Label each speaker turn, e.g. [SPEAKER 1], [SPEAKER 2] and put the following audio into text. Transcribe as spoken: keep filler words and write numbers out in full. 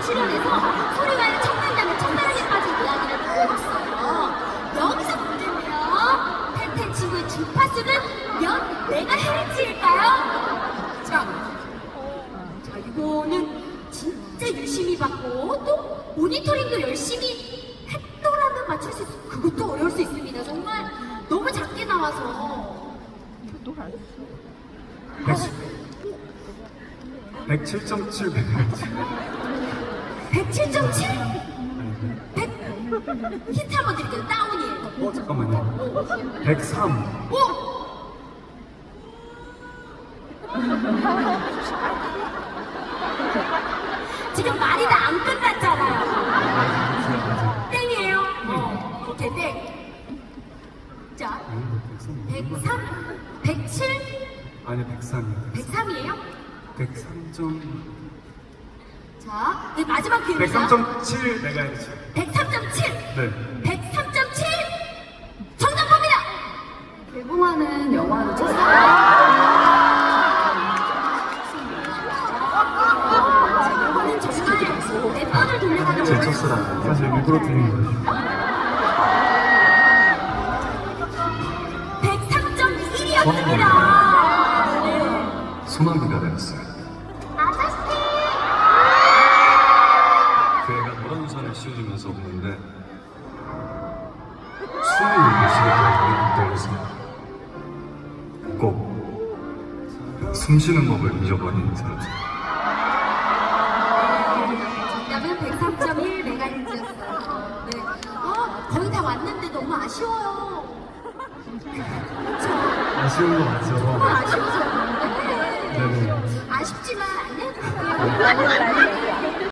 [SPEAKER 1] 출연해서 소리와의 청춘남의 첫사랑에 빠진 이야기를 보여줬어요. 여기서 문제는요. 텐텐 친구의 주파수는 몇 메가헤르츠일까요? 자, 자 이거는 진짜 유심히 봤고 또 모니터링도 열심히 했더라면 맞출 수 있어요. 그것도 어려울 수 있습니다. 정말 너무 작게 나와서.
[SPEAKER 2] 백칠 점 칠 메가헤르츠.
[SPEAKER 1] 백칠 점 칠? 백? 힌트 한번 드릴게요. 다운이에요.
[SPEAKER 2] 어 잠깐만요. 백삼.
[SPEAKER 1] 오! 지금 말이 다 안 끝났잖아요. 땡이에요. 어, 오케이, 땡. 자, 백삼, 백칠,
[SPEAKER 2] 아니 백삼이요.
[SPEAKER 1] 백삼이에요?
[SPEAKER 2] 백삼 점
[SPEAKER 1] 자, 네, 마지막 기회입니다.
[SPEAKER 2] 백삼 점 칠 메가헤르츠.
[SPEAKER 1] 백삼 점 칠.
[SPEAKER 2] 네.
[SPEAKER 1] 백삼 점 칠. 정답 봅니다.
[SPEAKER 3] 개봉하는 영화는 첫사랑.
[SPEAKER 1] 이거는 정말 몇 번을 돌려가는
[SPEAKER 2] 제 첫사랑. 사실 일부러 드린 거예요.
[SPEAKER 1] 백삼 점 일이었습니다.
[SPEAKER 2] 소나기가 되었어요.
[SPEAKER 1] 아저씨.
[SPEAKER 2] 그 애가 노란 우산을 씌워주면서 웃는데 숨이 쉬게 떨려서 꼭 숨쉬는 법을 잊어버린 사람들.
[SPEAKER 1] 정답은 백삼 점 일 메가헤르츠였어요. 네. 아, 거의 다 왔는데 너무 아쉬워요. 그쵸?
[SPEAKER 2] 아쉬운 거 맞죠?
[SPEAKER 1] 정말 아쉬워서. 네.
[SPEAKER 2] 네네.
[SPEAKER 1] 아쉽지만 안 해도 돼요.